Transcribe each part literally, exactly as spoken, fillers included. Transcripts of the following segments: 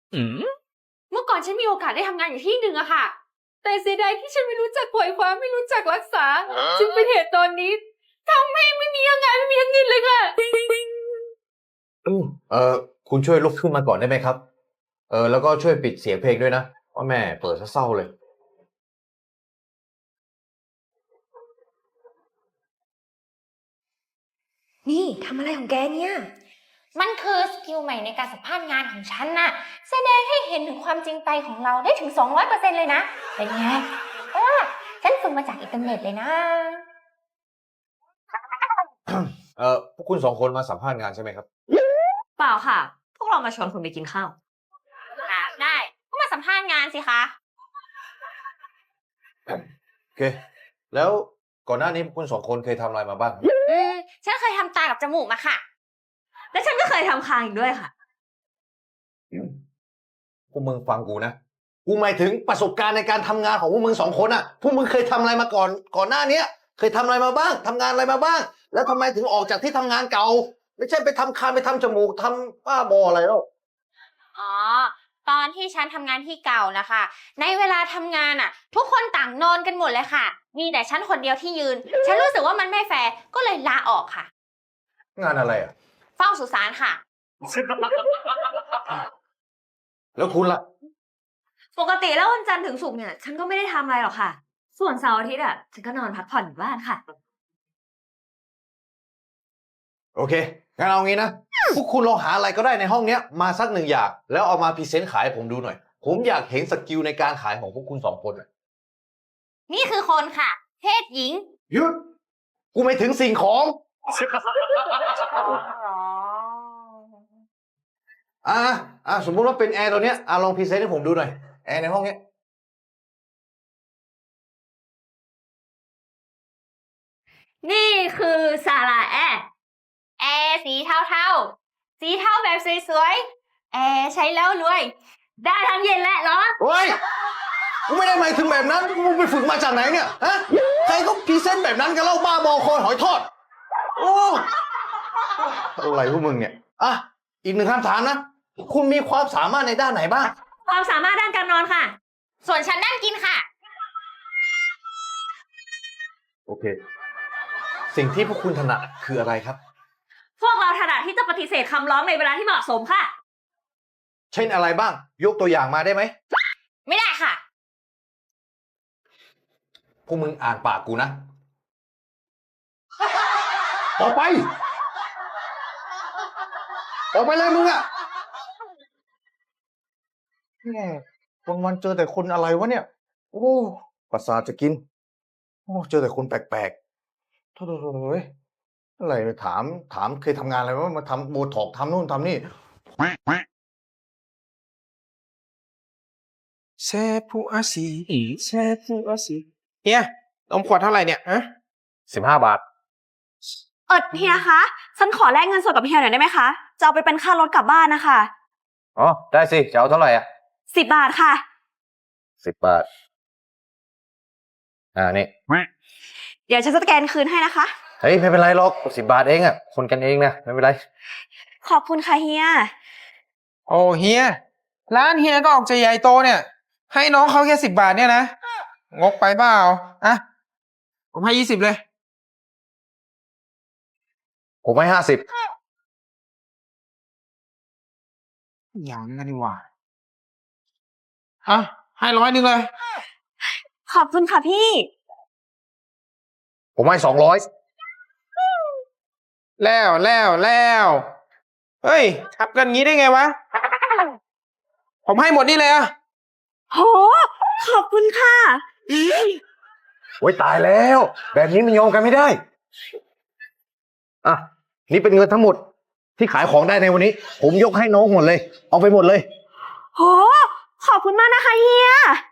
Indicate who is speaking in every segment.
Speaker 1: อืม
Speaker 2: เมื่อก่อนฉันมีโอกาสได้ทำงานอยู่ที่หนึ่งอะค่ะแต่เสียดายที่ฉันไม่รู้จักปล่อยความไม่รู้จักรักษาจึงเป็นเหตุตอนนี้ทำให้ไม่มีงานไม่มีเงินเลยค่ะ
Speaker 3: เออคุณช่วยลุกขึ้นมาก่อนได้ไหมครับเออแล้วก็ช่วยปิดเสียงเพลงด้วยนะเพราะแม่เปิดซะเศร้าเลย
Speaker 4: นี่ทำอะไรของแกเนี่ย
Speaker 2: มันคือสกิลใหม่ในการสัมภาษณ์งานของฉันน่ะแสดงให้เห็นถึงความจริงใจของเราได้ถึง สองร้อยเปอร์เซ็นต์ เลยนะเป็นไงอ่าฉันฝึกมาจากอินเทอร์เน็ตเลยนะ
Speaker 3: เออพวกคุณสองคนมาสัมภาษณ์งานใช่ไหมครับ
Speaker 4: เปล่าค่ะ พวกเรามาชวนคุณไปกินข้าว
Speaker 2: ค่ะได้ก็มาสัมภาษณ์งานสิคะ
Speaker 3: โอเค แล้วก่อนหน้านี้พวกคุณสองคนเคยทำอะไรมาบ้าง
Speaker 2: อืมฉันเคยทำตากับจมูกมาค่ะ
Speaker 4: และฉันก็เคยทำคางอีกด้วยค่ะ
Speaker 3: พวกมึงฟังกูนะ กูหมายถึงประสบการณ์ในการทำงานของพวกมึงสองคนอ่ะ พวกมึงเคยทำอะไรมาก่อน ก่อนหน้านี้เคยทำอะไรมาบ้าง ทำงานอะไรมาบ้าง แล้วทำไมถึงออกจากที่ทำงานเก่า ไม่ใช่ไปทำคางไปทำจมูกทำบ้าบออะไรแล้ว
Speaker 2: อ๋อ ตอนที่ฉันทำงานที่เก่านะคะ ในเวลาทำงานอ่ะ ทุกคนต่างนอนกันหมดเลยค่ะ มีแต่ฉันคนเดียวที่ยืน ฉันรู้สึกว่ามันไม่แฟร์ ก็เลยลาออกค่ะ
Speaker 3: งานอะไรอ่ะ
Speaker 2: เฝ้าสุสานค่ะ
Speaker 3: แล้วคุณล่ะ
Speaker 4: ปกติแล้ววันจันทร์ถึงศุกร์เนี่ย ฉันก็ไม่ได้ทำอะไรหรอกค่ะ ส่วนเสาร์อาทิตย์อ่ะ ฉันก็นอนพักผ่อนอยู่บ้านค่ะ
Speaker 3: โอเค งั้นเอางี้นะ พวกคุณลองหาอะไรก็ได้ในห้องเนี้ยมาสักหนึ่งอย่าง แล้วเอามาพรีเซนต์ขายให้ผมดูหน่อย ผมอยากเห็นสกิลในการขายของพวกคุณสองคนน่ะ
Speaker 2: นี่คือคนค่ะ เพศหญิง
Speaker 3: หยุด กูไม่ถึงสิ่งของ
Speaker 2: อ๋อ
Speaker 3: อ่าอ่าสมมุติว่าเป็นแอร์ตัวเนี้ยอ่าลองพรีเซนต์ให้ผมดูหน่อย แอร์ในห้องเนี้ย
Speaker 4: นี่คือซาลาแอร์
Speaker 2: แอร์สีเทาๆ สีเทาแบบสวยๆ แอร์ใช้แล้วรวย
Speaker 4: ได้ทั้งเย็นและร้อน
Speaker 3: เฮ้ย กูไม่ได้หมายถึงแบบนั้น กูไปฝึกมาจากไหนเนี่ย ฮะ ใครก็พรีเซนต์แบบนั้นกันเล่าบ้าบอคอยหอยทอด โอ้อะไรพวกมึงเนี่ย อ่ะ อีกหนึ่งคำถามนะ คุณมีความสามารถในด้านไหนบ้าง
Speaker 4: ความสามารถด้านการนอนค่ะ
Speaker 2: ส่วนฉันนั่งกินค่ะ
Speaker 3: โอเค สิ่งที่พวกคุณถนัดคืออะไรครับ
Speaker 4: พวกเราถนัดที่จะปฏิเสธคำร้องในเวลาที่เหมาะสมค่ะ
Speaker 3: เช่นอะไรบ้าง ยกตัวอย่างมาได้ไหม
Speaker 2: ไม่ได้ค่ะ
Speaker 3: พวกมึงอ่านปากกูนะ ออกไป ออกไปเลยมึงอะแม่วันวันๆเจอแต่คนอะไรวะเนี่ย โอ้ประสาทจะกิน โอ้เจอแต่คนแปลกๆโถ่ๆเว้ยอะไรถามถามเคยทำงานอะไรวะมาทำโบท็อกซ์ทำนู่นทำนี่
Speaker 1: แซ่ผู้อาศีแซ่ผู้อาศีเฮียนมขวดเท่าไหร่เนี่ยฮะ
Speaker 3: สิบห้าบาท
Speaker 4: เออเฮียคะ ฉันขอแลกเงินสดกับเฮียหน่อยได้ไหมคะ จะเอาไปเป็นค่ารถกลับบ้านนะคะ
Speaker 3: อ๋อ ได้สิ จะเอาเท่าไหร่อ่ะ
Speaker 4: สิบบาทค่ะ
Speaker 3: สิบบาท อ่า นี่
Speaker 4: เดี๋ยวฉันจะสแกนคืนให้นะคะ
Speaker 3: เฮ้ย ไม่เป็นไรหรอกสิบบาทเองอ่ะ คนกันเองนะไม่เป็นไร
Speaker 4: ขอบคุณค่ะเฮีย
Speaker 1: โอ้เฮียร้านเฮียก็ออกจะใหญ่โตเนี่ย ให้น้องเขาแค่สิบบาทเนี่ยนะ งกไปเปล่าอ่ะผมให้ยี่สิบเลย
Speaker 3: ผมให้ห้าสิบ
Speaker 1: อย่างนั้นดีกว่าอ่ะให้ร้อยหนึ่งเลย
Speaker 4: ขอบคุณค่ะพี่
Speaker 3: ผมให้สองร้อย
Speaker 1: แล้วแล้วแล้วเฮ้ยทับกันงี้ได้ไงวะ ผมให้หมดนี่เลยอ่ะ
Speaker 4: โห ขอบคุณค่ะ
Speaker 3: โอ้ยตายแล้ว แบบนี้มันยอมกันไม่ได้ อ่ะ นี่เป็นเงินทั้งหมดที่ขายของได้ในวันนี้ ผมยกให้น้องหมดเลย เอาไปหมดเลย
Speaker 4: โห ขอบคุณมากนะคะเฮีย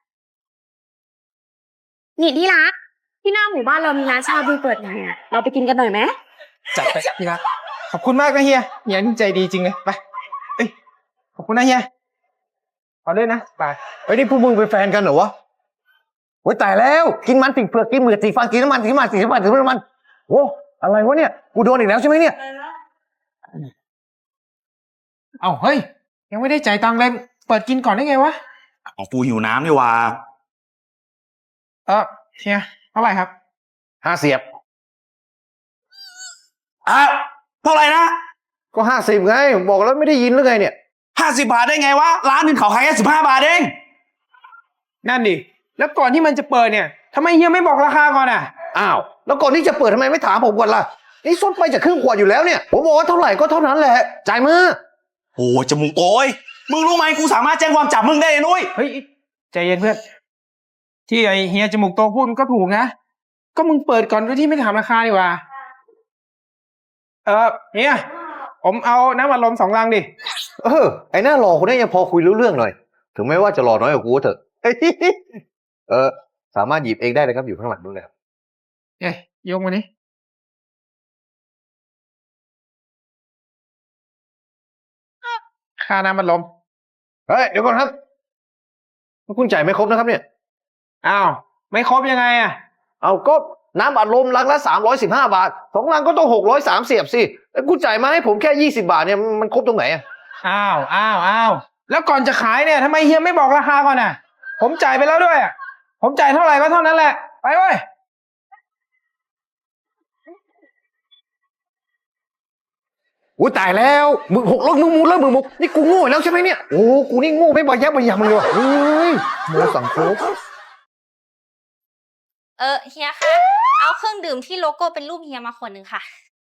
Speaker 4: นี่ที่รัก ที่หน้าหมู่บ้านเรามีร้านชาบูเปิดใหม่อะเราไปกินกันหน่อยไหม
Speaker 1: จัดไปพี่รักขอบคุณมากนะเฮียเฮียนี่ใจดีจริงเลยไปเอ้ยขอบคุณนะเฮียเอาด้วยนะไป
Speaker 3: เฮ้ยนี่พวกมึงเป็นแฟนกันเหรอวะโอ้ยตายแล้ว กินมันติดเปลือกกินเหมือกสีฟันกินน้ำมันกินมันสีน้ำมันกินน้ำมันโอ้อะไรวะเนี่ย กูโดนอีกแล้วใช่ไหมเนี่ย
Speaker 1: เอาเฮ้ยยังไม่ได้จ่ายตังค์เลยตปิดกินก่อนได้ไงวะ
Speaker 5: อ๋อกูหิวน้ำนี่หว่า
Speaker 1: เออเฮียเท่าไหร่ครับ
Speaker 3: ห้าเสียบ
Speaker 5: อ่ะเท่าไหร่นะ
Speaker 3: ก็ห้าสิบไงผมบอกแล้วไม่ได้ยินหรือไงเนี่ย
Speaker 5: ห้าสิบบาทได้ไงวะ ร้านหนึ่งเขาขายแค่สิบห้าบาทเอง
Speaker 1: นั่นดิ แล้วก่อนที่มันจะเปิดเนี่ยทำไมเฮียไม่บอกราคาก่อนอ่ะ
Speaker 3: อ้าวแล้วก่อนที่จะเปิดทำไมไม่ถามผมก่อนล่ะนี่ซดไปจะครึ่งขวดอยู่แล้วเนี่ยผมบอกว่าเท่าไหร่ก็เท่านั้นแหละจ่ายมา
Speaker 5: โอ้จมูกโตยมึงรู้ไหมกูสามารถแจ้งความจับมึงได้เลยนุ้ย
Speaker 1: เฮ้ยใจเย็นเพื่อน ที่ไอเฮียจมูกโตพูดมันก็ถูกนะ ก็มึงเปิดก่อนโดยที่ไม่ถามราคาดีกว่า เออเฮียผมเอาน้ำอัดลมสองลังดิ
Speaker 3: เออไอ้หน้าหล่อคนนี้ยังพอคุยรู้เรื่องหน่อยถึงแม้ว่าจะหล่อน้อยกว่ากูก็เถอะ เออสามารถหยิบเองได้เลยครับอยู่ข้างหลังนู้นเลยครับ
Speaker 1: เอ้ยยกมานี่ค่าน้ำอัดลม
Speaker 3: เฮ้ยเดี๋ยวก่อนครับคุณจ่ายไม่ครบนะครับเนี่ย
Speaker 1: อ้าว ไม่ครบยังไงอ่ะ
Speaker 3: เอาก็น้ำอัดลมลังละสามร้อยสิบห้าบาทสองลังก็ต้องหกร้อยสามเสียบสิแล้วคุณจ่ายมาให้ผมแค่ยี่สิบาทเนี่ยมันครบตรงไหนอะ
Speaker 1: อ้าว อ้าว อ้าว แล้วก่อนจะขายเนี่ยทำไมเฮียไม่บอกราคาก่อนอ่ะ ผมจ่ายไปแล้วด้วยอ่ะ ผมจ่ายเท่าไหร่ก็เท่านั้นแหละ ไปเว้ย
Speaker 3: อุ้ยตายแล้วมึงหกลบมึงมูลแล้วมึงมุกนี่กูโง่แล้วใช่ไหมเนี่ยโอ้กูนี่โง่ไม่บอยแยบอยางเลยว่ะเฮ้ยโมสังโคบ
Speaker 2: เออเฮียคะ เอาเครื่องดื่มที่โลโก้เป็นรูปเฮียมาขวดหนึ่งค่ะ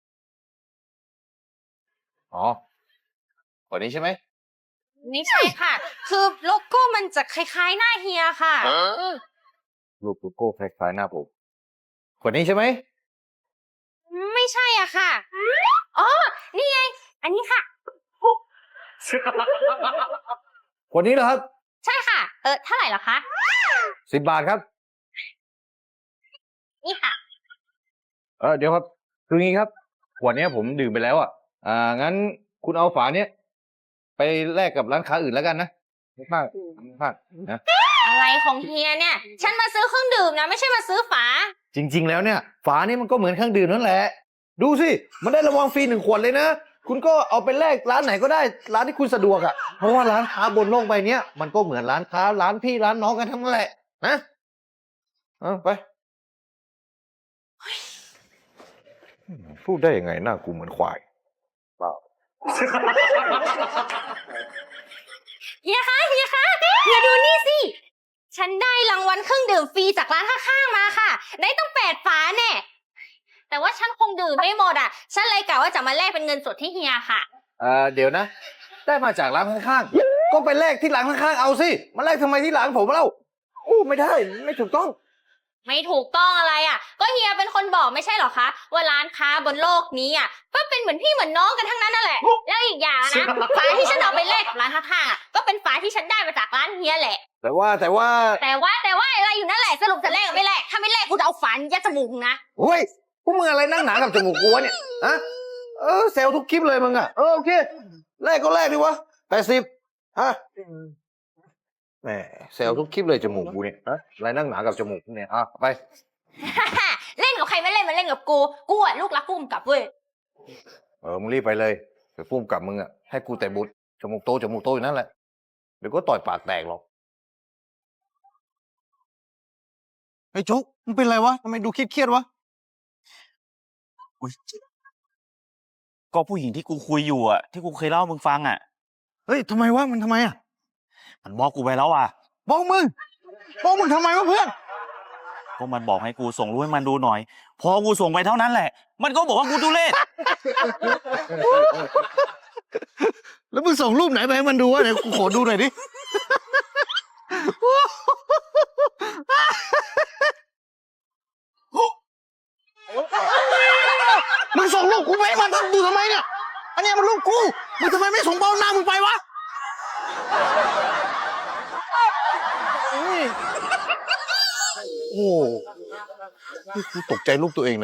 Speaker 3: อ๋อคนนี้ใช่ไหม
Speaker 2: ไม่ใช่ค่ะ คือโลโก้มันจะคล้ายๆหน้าเฮียค่ะ
Speaker 3: รูปโลโก้คล้ายๆหน้าผมคนนี้ใช่ไหม
Speaker 2: ไม่ใช่อ่ะค่ะ อ๋อ นี่ไง อันนี้ค่ะ
Speaker 3: คนนี้เหรอครับ
Speaker 2: ใช่ค่ะ เออเท่าไหร่เหรอคะ
Speaker 3: สิบบาทครับ
Speaker 2: นี่ค่ะ
Speaker 3: เออเดี๋ยวครับคืองี้ครับขวดเนี้ยผมดื่มไปแล้วอ่ะอ่างั้นคุณเอาฝาเนี้ยไปแลกกับร้านค้าอื่นแล้วกันนะไม่พลาดไม่พลาดนะ
Speaker 2: อะไรของเฮียเนี่ย ฉันมาซื้อเครื่องดื่มนะ ไม่ใช่มาซื้อฝา
Speaker 3: จริง ๆ แล้วเนี่ยฝานี่มันก็เหมือนเครื่องดื่มนั่นแหละ ดูสิมันได้รางวัลฟรีหนึ่งขวดเลยนะคุณก็เอาไปแลกร้านไหนก็ได้ร้านที่คุณสะดวกอ่ะเพราะว่าร้านค้าบนโลกใบเนี้ยมันก็เหมือนร้านค้าร้านพี่ร้านน้องกันทั้งนั้นแหละนะเอาไปพูดได้ยังไงหน้ากูเหมือนควายเปล่า
Speaker 2: เฮียคะ เฮียคะ เฮียดูนี่สิ ฉันได้รางวัลเครื่องดื่มฟรีจากร้านข้างๆมาค่ะ ได้ต้องแปดฝาแน่ แต่ว่าฉันคงดื่มไม่หมดอ่ะ ฉันเลยกะว่าจะมาแลกเป็นเงินสดที่เฮียค่ะ
Speaker 3: เอ่อเดี๋ยวนะ ได้มาจากร้านข้างๆก็ไปแลกที่ร้านข้างๆเอาสิมาแลกทำไมที่ร้านผมเล่าอู้ไม่ได้ไม่ถูกต้อง
Speaker 2: ไม่ถูกต้องอะไรอ่ะ ก็เฮียเป็นคนบอกไม่ใช่เหรอคะ ว่าร้านค้าบนโลกนี้อ่ะก็เป็นเหมือนพี่เหมือนน้องกันทั้งนั้นนั่นแหละ แล้วอีกอย่างนะ ฝาที่ฉันเอาไปแลกกับร้านข้างๆอ่ะก็เป็นฝาที่ฉันได้มาจากร้านเฮียแหละ
Speaker 3: แต่ว่าแต่ว่า
Speaker 2: แต่ว่าแต่ว่าอะไรอยู่นั่นแหละสรุปจะแลกหรือไม่แลกถ้าไม่แลกกูจะเอาฝายัดจมูกนะ
Speaker 3: เฮ้ยพวกมึงอะไรนั่งหนากับจมูกกูวะเนี่ยฮะเออเซลล์ทุกคลิปเลยมึงอ่ะเออโอเคแลกก็แลกดิวะแปดสิบฮะแหมเซลล์ทุกคลิปเลยจมูกกูเนี่ยฮะอะไรนั่งหนากับจมูกเนี่ยอ่ะไป
Speaker 2: เล่นกับใครไม่เล่นมาเล่นกับกู กูอ่ะลูกรักพุ่มกับเว้ย
Speaker 3: เออมึงรีบไปเลยเดี๋ยวพุ่มกับมึงอ่ะให้กูแต่บุตรจมูกโตจมูกโตอยู่นั่นแหละเดี๋ยวก็ต่อยปากแตกหรอกไอ้จุ๊กมึงเป็นไรวะทำไมดูเครียดๆวะ
Speaker 5: อุ๊ยก็ผู้หญิงที่กูคุยอยู่อ่ะ ที่กูเคยเล่าให้มึงฟังอ่ะ
Speaker 3: เฮ้ยทำไมวะมันทำไมอ่ะ
Speaker 5: มันบอกกูไปแล้วอ่ะ
Speaker 3: บอกมึงบอกมึงทำไมวะเพื่อน
Speaker 5: ก็มันบอกให้กูส่งรูปให้มันดูหน่อย พอกูส่งไปเท่านั้นแหละ มันก็บอกว่ากูทุเรศ
Speaker 3: แล้วมึงส่งรูปไหนไปให้มันดูวะเดี๋ยวกูขอดูหน่อยดิ มึงส่งรูปกูไปให้มันดูทำไมเนี่ย อันเนี้ยมันรูปกู มึงทำไมไม่ส่งเบ้าหน้ามึงไปวะโอ้โหนี่กูตกใจรูปตัวเองเลย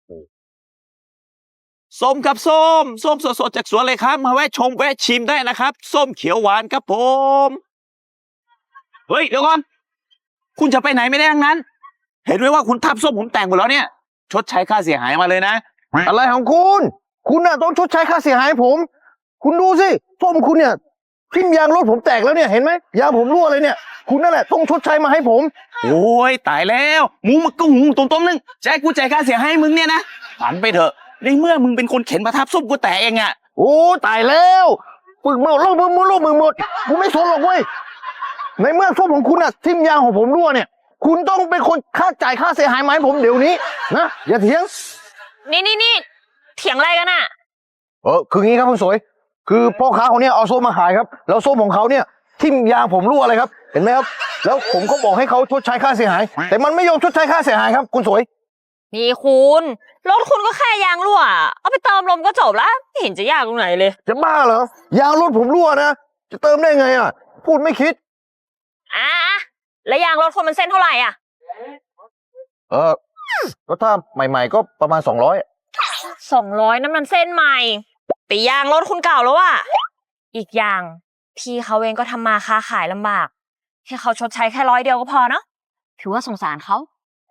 Speaker 5: ส้มครับส้ม ส้มสดๆจากสวนเลยครับ มาแวะชมแวะชิมได้นะครับ ส้มเขียวหวานครับผม เฮ้ยเดี๋ยวก่อน คุณจะไปไหนไม่ได้ทั้งนั้น เห็นไหมว่าคุณทับส้มผมแต่งหมดแล้วเนี่ย ชดใช้ค่าเสียหายมาเลยนะ
Speaker 3: อะไรของคุณ คุณน่ะต้องชดใช้ค่าเสียหายให้ผม คุณดูสิส้มคุณเนี่ยทิ่มยางรถผมแตกแล้วเนี่ยเห็นไหมยางผมรั่วเลยเนี่ย คุณนั่นแหละต้องชดใช้มาให้ผม
Speaker 5: โอ้ยตายแล้วมึงมันก็หุงต้มๆนึงจะให้กูจ่ายค่าเสียให้มึงเนี่ยนะฝันไปเถอะในเมื่อมึงเป็นคนเข็นประทับส้มกูแต่เองอะ
Speaker 3: โอ้ตายแล้วปึกเมาล่มมือมือล่มมือหมดกูไม่สนหรอกเว้ยในเมื่อส้มของคุณอะทิ่มยางของผมรั่วเนี่ย คุณต้องเป็นคนค่าจ่ายค่าเสียหายมาให้ผมเดี๋ยวนี้นะอย่าเถียง
Speaker 4: นี่นี่นี่เถียงอะไรกันอะ
Speaker 3: เออคืองี้ครับคุณสวย คือพ่อค้าคนเนี้ยเอาส้มมาขายครับ แล้วส้มของเขาเนี่ยทิ่มยางผมรั่วเลยครับ เห็นไหมครับ แล้วผมก็บอกให้เขาชดใช้ค่าเสียหาย แต่มันไม่ยอมชดใช้ค่าเสียหายครับ คุณสวย
Speaker 4: นี่คุณรถคุณก็แค่ยางรั่วเอาไปเติมลมก็จบละไม่เห็นจะยากตรงไหนเลย
Speaker 3: จะบ้าเหรอยางรถผมรั่วนะจะเติมได้ไงอ่ะ พูดไม่คิด
Speaker 4: อ่ะแล้วยางรถคุณมันเส้นเท่าไหร่อ่ะ
Speaker 3: เออก็ถ้าใหม่ๆก็ประมาณสองร้อย
Speaker 4: สองร้อยน้ำมันเส้นใหม่แต่ยางรถคุณเก่าแล้วอ่ะอีกอย่างพี่เขาเองก็ทำมาค้าขายลำบากให้เขาชดใช้แค่ร้อยเดียวก็พอเนาะถือว่าสงสารเขา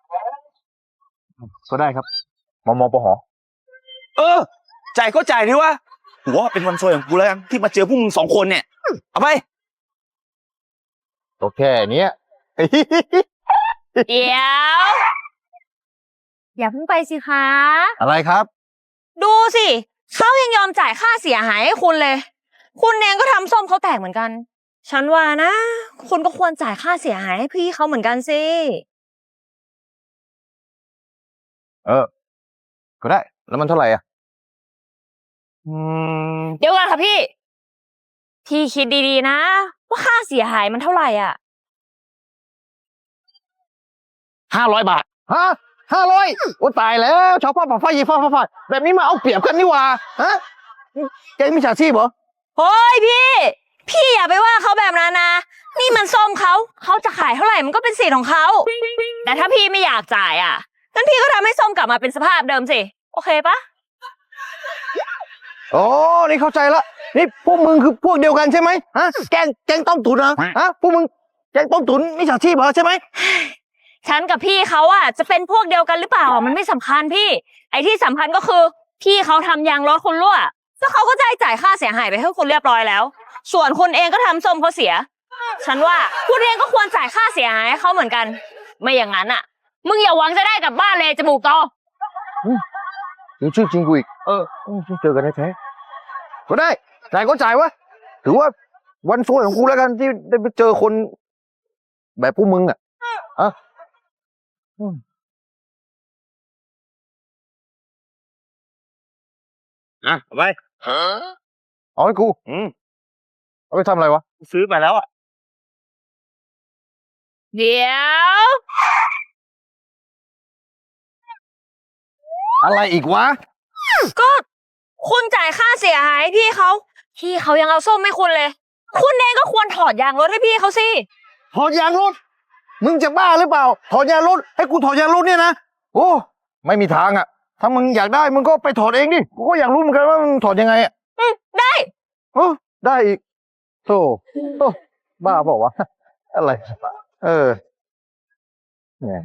Speaker 3: ก็ได้ครับมมปห
Speaker 5: เออจ่ายก็จ่ายดิวะหัวเป็นวันซวยของกูแล้วกันที่มาเจอพวกมึงสองคนเนี่ยเอาไป
Speaker 3: ก็แค่เนี้ย
Speaker 4: เดี๋ยวอย่าเพิ่งไปสิคะ
Speaker 3: อะไรครับ
Speaker 4: ดูสิเขายังยอมจ่ายค่าเสียหายให้คุณเลย คุณเองก็ทำส้มเขาแตกเหมือนกัน ฉันว่านะ คุณก็ควรจ่ายค่าเสียหายให้พี่เขาเหมือนกันสิ
Speaker 3: เออ ก็ได้ แล้วมันเท่าไหร่อ่ะ
Speaker 5: อืม
Speaker 4: เดี๋ยวก่อนค่ะพี่ พี่คิดดีๆนะ ว่าค่าเสียหายมันเท่าไหร่อ่ะ
Speaker 5: ห้าร้อยบาท
Speaker 3: ฮะห้าร้อยโอ้ตายแล้วชาวบ้านฝ่าไฟยีฟ้าฟ้าฟ้าแบบนี้มาเอาเปรียบกันนี่หว่าฮะแกมิจฉาชีพเหรอ
Speaker 4: เฮ้ยพี่ พี่อย่าไปว่าเขาแบบนั้นนะ นี่มันส้มเขา เขาจะขายเท่าไหร่มันก็เป็นสิทธิ์ของเขา แต่ถ้าพี่ไม่อยากจ่ายอ่ะงั้นพี่ก็ทำให้ส้มกลับมาเป็นสภาพเดิมสิ โอเคปะ
Speaker 3: อ๋อ นี่เข้าใจละ นี่พวกมึงคือพวกเดียวกันใช่ไหมฮะ แกงแกงต้มตุ๋นนะฮะ พวกมึงแกงต้มตุ๋นมิจฉาชีพเหรอใช่ไหม
Speaker 4: ฉันกับพี่เขาอ่ะจะเป็นพวกเดียวกันหรือเปล่าอ่ะมันไม่สำคัญพี่ ไอ้ที่สำคัญก็คือ พี่เขาทำยางรถคุณรั่วแล้วเขาก็ได้จ่ายค่าเสียหายไปให้คุณเรียบร้อยแล้ว ส่วนคุณเองก็ทำส้มเขาเสีย ฉันว่าคุณเองก็ควรจ่ายค่าเสียหายให้เขาเหมือนกัน ไม่อย่างนั้นอ่ะ มึงอย่าหวังจะได้กลับบ้านเลยจมูกโต
Speaker 3: ดูชื่อจริงกูอีก เออเจอกันแท้ๆก็ได้ จ่ายก็จ่ายวะ ถือว่าวันซวยของกูแล้วกันที่ได้ไปเจอคน แบบพวกมึงอ่ะอ่ะอืม
Speaker 5: อ่ะเอาไป
Speaker 3: เอาให้กู
Speaker 5: อืม
Speaker 3: เอาไปทำอะไรวะ
Speaker 5: ซื้อมาแล้วอ่ะ
Speaker 4: เดี๋ยว
Speaker 3: อะไรอีกวะ
Speaker 4: ก็คุณจ่ายค่าเสียหายให้พี่เขาพี่เขายังเอาส้มให้คุณเลย คุณเองก็ควรถอดยางรถให้พี่เขาสิ
Speaker 3: ถอดยางรถ มึงจะบ้าหรือเปล่า ถอดยางรถ ให้กูถอดยางรถเนี่ยนะ โอ้ ไม่มีทางอ่ะ ถ้ามึงอยากได้มึงก็ไปถอดเองดิ กูก็อยากรู้เหมือนกันว่ามึงถอดยังไงอ่ะ
Speaker 4: อืมได้
Speaker 3: โอ้ได้อีกโธ่โอ้บ้าเปล่าวะ อะไร เออเนี่ย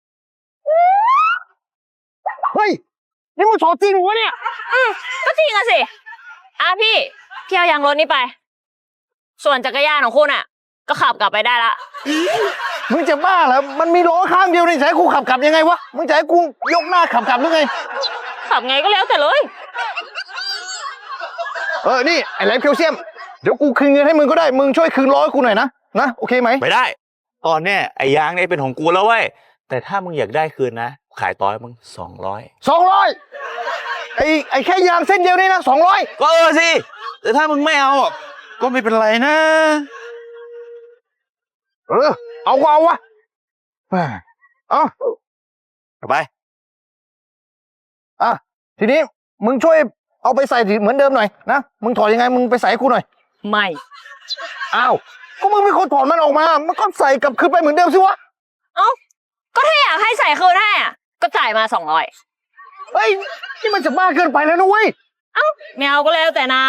Speaker 3: เฮ้ย นี่มึงถอดจริงเหรอวะเนี่ย
Speaker 4: อืมก็จริงอะสิอ่ะพี่พี่เอายางรถนี้ไป ส่วนจักรยานของคุณอ่ะ ก็ขับกลับไปได้ละ
Speaker 3: มึงจะบ้าเหรอ มันมีล้อข้างเดียวนี่จะให้กูขับกลับยังไงวะ มึงจะให้กูยกหน้าขับกลับหรือไง
Speaker 4: ขับไงก็แล้วแต่เลย
Speaker 3: เออ นี่ไอ้แหลมแคลเซียม เดี๋ยวกูคืนเงินให้มึงก็ได้ มึงช่วยคืนล้อให้กูหน่อยนะ นะ โอเคไหม
Speaker 5: ไม่ได้ ตอนเนี้ยไอ้ยางเนี่ยเป็นของกูแล้วเว้ย แต่ถ้ามึงอยากได้คืนนะ ขายต่อให้มึงสองร้อย
Speaker 3: สองร้อยไอ้ไอ้แค่ยางเส้นเดียวนี่นะสองร้อย
Speaker 5: ก็เออสิ แต่ถ้ามึงไม่เอาอ่ะก็ไม่เป็นไรนะ
Speaker 3: เออ เอาก็เอาวะแหม่เอา
Speaker 5: เอาไป
Speaker 3: อ่ะ ทีนี้มึงช่วยเอาไปใส่เหมือนเดิมหน่อยนะ มึงถอดยังไง มึงไปใส่ให้กูหน่อย
Speaker 4: ไม่
Speaker 3: อ้าว ก็มึงเป็นคนถอดมันออกมา มันก็ใส่กลับคืนไปเหมือนเดิมสิวะ
Speaker 4: เอ้าก็ถ้าอยากให้ใส่คืนให้อ่ะก็จ่ายมาสองร้อย
Speaker 3: เฮ้ย นี่มันจะบ้าเกินไปแล้วนะเว้ย
Speaker 4: ไม่เอาก็แล้วแต่นะ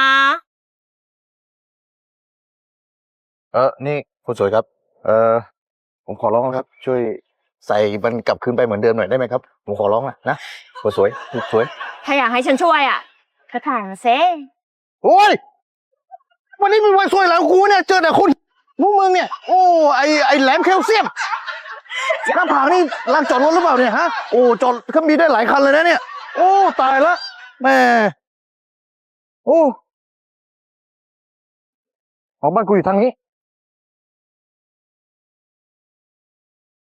Speaker 3: เออ นี่คุณสวยครับ เออ ผมขอร้องครับ ช่วยใส่มันกลับคืนไปเหมือนเดิมหน่อยได้ไหมครับ ผมขอร้องนะนะคุณสวยคุณสวย
Speaker 4: ถ้าอยากให้ฉันช่วยอ่ะก็ถ่ายมาเซ
Speaker 3: โอ้ย มึวันนี้เป็นวันสวยแล้วกูเนี่ยเจอแต่คุณพวกมึงเนี่ยโอ้ไอไอแหลมแคลเซียมหน้าผากนี่ลานจอดรถหรือเปล่าเนี่ยฮะโอ้จอดก็มีได้หลายคันเลยนะเนี่ยโอ้ตายละแม่โอ้ของบ้านกูอยู่ทางนี้